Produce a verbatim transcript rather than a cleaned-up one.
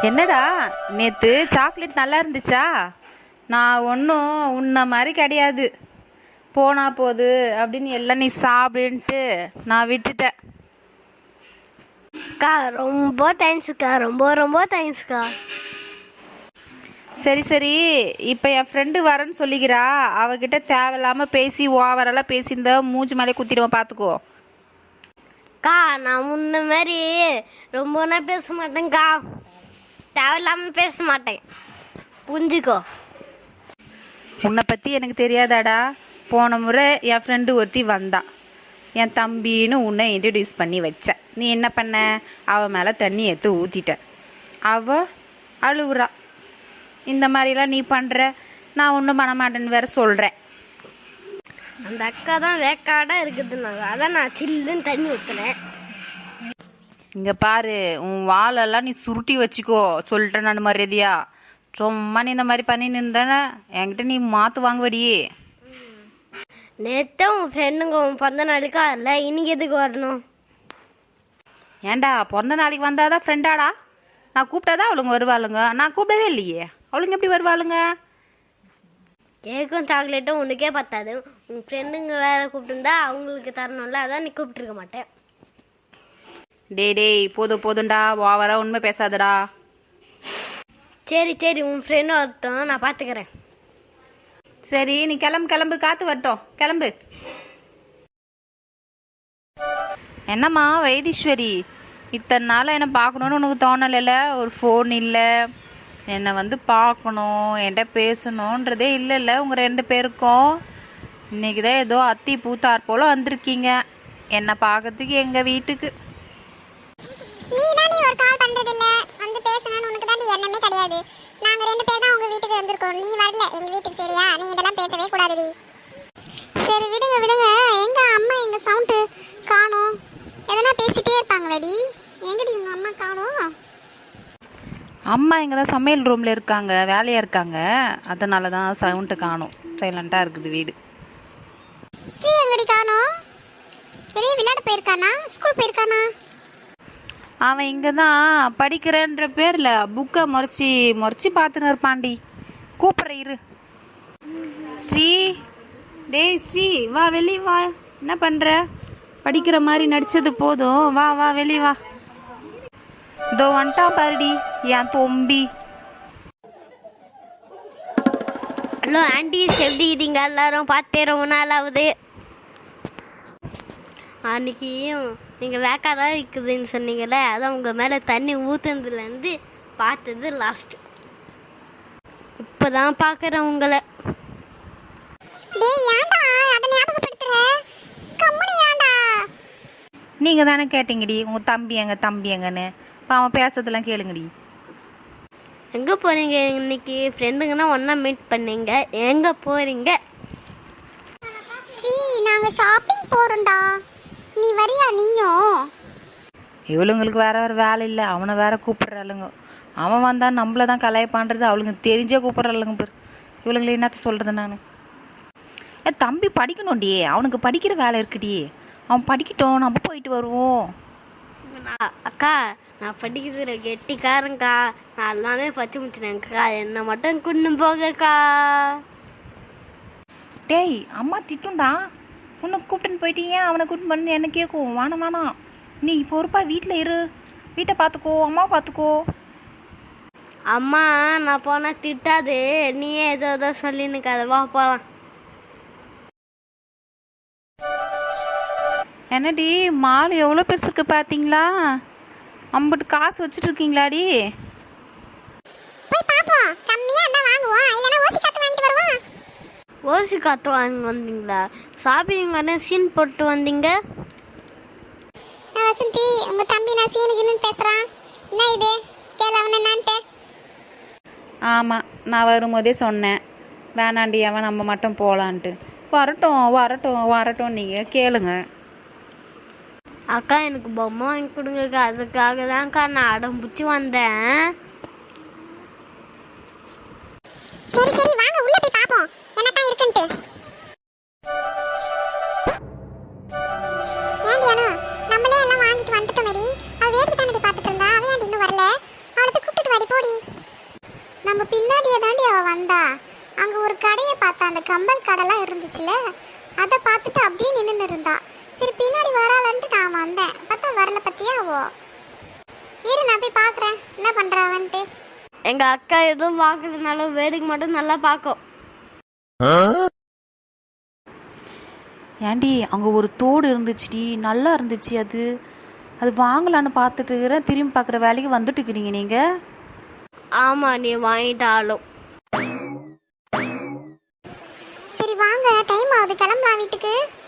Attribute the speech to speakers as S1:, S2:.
S1: என்னடா நேற்று சாக்லேட் நல்லா இருந்துச்சா? நான் ஒன்றும் உன்ன மாதிரி கிடையாது, போனா போகுது அப்படின்னு எல்லாம் நீ சாப்பிடுன்ட்டு நான் விட்டுட்டேன்.
S2: அக்கா ரொம்ப தேங்க்ஸ்க்கா, ரொம்ப ரொம்ப தேங்க்ஸ்க்கா.
S1: சரி சரி, இப்போ என் ஃப்ரெண்டு வரேன்னு சொல்லிக்கிறா, அவகிட்ட தேவையில்லாமல் பேசி ஓவரெல்லாம் பேசியிருந்த மூஞ்சி மேலே குத்திடுவேன், பார்த்துக்கோ.
S2: அக்கா நான் முன்ன மாதிரி ரொம்பனா பேச மாட்டேங்க்கா, தேவையில்லாமல் பேச மாட்டேன், புரிஞ்சுக்கோ.
S1: உன்னை பற்றி எனக்கு தெரியாதாடா? போன முறை என் ஃப்ரெண்டு ஒருத்தி வந்தா, என் தம்பின்னு உன்னை இன்ட்ரடியூஸ் பண்ணி வச்ச. நீ என்ன பண்ண? அவள் மேலே தண்ணி எடுத்து ஊற்றிட்ட. அவள் அழுவுறா. இந்த மாதிரிலாம் நீ பண்ணுற, நான் ஒன்றும் பண்ண மாட்டேன்னு வேற சொல்கிறேன்.
S2: அந்த அக்கா தான் வேக்காடாக இருக்குதுன்னாங்க, அதான் நான் சில்லுன்னு தண்ணி ஊற்றுனேன்.
S1: இங்கே பாரு, உன் வாழெல்லாம் நீ சுருட்டி வச்சுக்கோ, சொல்லிட்டேன் நான் மரியாதையா. சும்மா நீ இந்த மாதிரி பண்ணி நின்றன என்கிட்ட நீ மாற்று வாங்குவடியே.
S2: நேற்று உன் ஃப்ரெண்டுங்க உன் பிறந்த நாளைக்கா இல்லை, இன்னைக்கு எதுக்கு வரணும்?
S1: ஏண்டா பிறந்த நாளைக்கு வந்தாதான் ஃப்ரெண்டாடா? நான் கூப்பிட்டாதான் அவளுங்க வருவாளுங்க, நான் கூப்பிடவே இல்லையே, அவளுங்க எப்படி வருவாளுங்க?
S2: கேக்கும் சாக்லேட்டும் உனக்கே பத்தாது, உன் ஃப்ரெண்டுங்க வேலை கூப்பிட்டுருந்தா அவங்களுக்கு தரணும்ல, அதான் நீ கூப்பிட்டுருக்க மாட்டேன்.
S1: டேய் டேய் போதும் போதும்டா, ஓவரா உண்மை பேசாதடா.
S2: சரி சரி, உன் ஃப்ரெண்டு வரட்டும், நான் பார்த்துக்கிறேன்.
S1: சரி நீ கிளம்பு கிளம்பு, காத்து வரட்டும், கிளம்பு. என்னம்மா வைத்தீஸ்வரி, இத்தனை நாள் என்னை பார்க்கணுன்னு உனக்கு தோணலைல்ல? ஒரு ஃபோன் இல்லை, என்னை வந்து பார்க்கணும் என்கிட்ட பேசணுன்றதே இல்லைல்ல உங்கள் ரெண்டு பேருக்கும்? இன்றைக்கி தான் ஏதோ அத்தி பூத்தார் போல் வந்திருக்கீங்க என்னை பார்க்கறதுக்கு எங்கள் வீட்டுக்கு.
S3: நீ தான் நீ ஒரு கால் பண்றது இல்ல, வந்து பேசணும்னு உனக்கு தான் எண்ணமே கிடையாது. நாங்க ரெண்டு பேர் தான் உங்க வீட்டுக்கு வந்திருக்கோம், நீ வரல எங்க வீட்டுக்கு, சரியா? நீ இதெல்லாம் பேசவே கூடாதுடி. சரி விடுங்க விடுங்க, எங்க அம்மா எங்க சவுண்டு காணோம், எதனா பேசிட்டே இருப்பாங்களடி, எங்கடி உங்க அம்மா காணோம்?
S1: அம்மா இங்கே தான் சமையல் ரூமில் இருக்காங்க, வேலையாக இருக்காங்க, அதனால தான் சவுண்டு காணும், சைலண்ட்டாக இருக்குது வீடு.
S3: ஸ்ரீ எங்கடி காணோம்? வெளியே விளையாட போயிருக்கானா, ஸ்கூல் போயிருக்கானா?
S1: அவன் இங்கே தான் படிக்கிறேன்ற பேரில் புக்கை முறைச்சி முறைச்சி பார்த்துன்னு இருப்பான்டி. கூப்பிட்ற இரு. ஸ்ரீ, டேய் ஸ்ரீ, வா வெளியே வா. என்ன பண்ணுற? படிக்கிற மாதிரி நடித்தது போதும், வா வா வெளியே வா. இதோ வந்துட்டா பாருடி என் தொம்பி.
S2: ஹலோ ஆண்டி, எப்படி இருக்கீங்க எல்லாரும்? பார்த்தே ரொம்ப நாள் ஆகுது. அன்றைக்கி நீங்கள் வேக்காடாக இருக்குதுன்னு சொன்னீங்கல்ல, அதான் உங்கள் மேலே தண்ணி ஊற்றுனதுலேருந்து பார்த்தது லாஸ்ட்டு. இப்போ தான் பார்க்குறேன் உங்களை.
S1: நீங்கள் தானே கேட்டீங்கடி உங்கள் தம்பி எங்க தம்பி எங்கன்னு, இப்போ அவன் பேசுறதெல்லாம் கேளுங்கடி.
S2: எங்கே போகிறீங்க இன்னைக்கு? ஃப்ரெண்டுங்கன்னா ஒன்றா மீட் பண்ணீங்க, எங்கே போகிறீங்க?
S3: ஸ்ரீ, நாங்கள் ஷாப்பிங் போகிறோம்டா, நீ வரியா? நீயும்?
S1: இவளுங்களுக்கு வேற வேறு வேலை இல்லை, அவனை வேற கூப்பிட்றாளுங்க. அவன் வந்தால் நம்மள தான் கலாய்ப்பான்றது அவளுங்க தெரிஞ்சே கூப்பிட்றாளுங்க பேர். இவளுங்களை என்னத்த சொல்கிறது நான்? ஏ தம்பி படிக்கணும்டியே, அவனுக்கு படிக்கிற வேலை இருக்குடியே, அவன் படிக்கட்டும், நம்ம போயிட்டு வருவோம்.
S2: அக்கா நான் படிக்கிறதுல கெட்டிக்காரங்க்கா, நான் எல்லாமே பச்சை முடிச்சினேங்க்கா, என்னை மட்டும் கொண்டு போகக்கா.
S1: டேய் அம்மா திட்டுண்டா, உன்னை கூப்பிட்டுன்னு போயிட்டு ஏன் அவனை கூப்பிட்டு பண்ணு என்ன கேட்கும்? வேணாம் வேணாம், நீ பொறுப்பா வீட்டில் இரு, வீட்டை பார்த்துக்கோ, அம்மா பார்த்துக்கோ.
S2: அம்மா நான் போனால் திட்டாது, நீயே ஏதோ ஏதோ சொல்லினுக்காத, வா போகலாம்.
S1: என்னடி மால் எவ்வளோ பெருசுக்கு பார்த்தீங்களா? அம்பிட்டு காசு வச்சுட்டு இருக்கீங்களாடி?
S3: போய் பாப்போம், கம்மியா இருந்தா வாங்குவோம், இல்லனா ஓசி காத்து வாங்கிட்டு வருவோம்.
S2: ஓசி காத்து வாங்கி வந்தீங்களா? ஷாப்பிங் வர சீன் போட்டு வந்தீங்க.
S3: வசந்தி, உங்க தம்பி நான் சீனுக்கு இன்னும் பேசுறான், என்ன இது கேள அவன் என்னான்ட்டு?
S1: ஆமாம், நான் வரும்போதே சொன்னேன் வேணாண்டி அவன் நம்ம மட்டும் போகலான்ட்டு. வரட்டும் வரட்டும் வரட்டும், நீங்கள் கேளுங்க.
S2: அக்கா எனக்கு பொம்மை வாங்கி கொடுங்கக்கா, அதுக்காக தான்க்கா நான் அடம் பிடிச்சி வந்தேன்.
S3: சரி சரி வாங்க உள்ள போய் பாப்போம் என்னதான் இருக்குன்ட்டு. ஏண்டி அனு, நம்மளே எல்லாம் வாங்கிட்டு வந்துட்டோம். மேரி அவ வேடிக்கை தானடி பார்த்துட்டு இருந்தா, அவ ஏன்டி இன்னும் வரல? அவளுக்கு கூப்பிட்டு வாடி போடி. அந்த கம்பல் கடைலாம் இருந்துச்சுல, அதை பார்த்துட்டு அப்படியே நின்று இருந்தா. சரி பின்னாடி வராளன்ட்டு நான் வந்தேன், பார்த்தா வரல பத்தியா அவோ. இரு நான் போய் பார்க்குறேன் என்ன பண்ணுறாவன்ட்டு.
S2: எங்கள் அக்கா எதுவும் பார்க்கறதுனாலும் வேடிக்கை மட்டும் நல்லா பார்க்கும்.
S1: ஏண்டி அங்கே ஒரு தோடு இருந்துச்சுடி, நல்லா இருந்துச்சு. அது அது வாங்கலான்னு பார்த்துட்டு இருக்கிறேன், திரும்பி பார்க்குற வேலைக்கு வந்துட்டு இருக்கிறீங்க நீங்கள்.
S2: ஆமாம், நீ வாங்கிட்டாலும்.
S3: சரி வாங்க, டைம் ஆகுது, கிளம்பலாம் வீட்டுக்கு.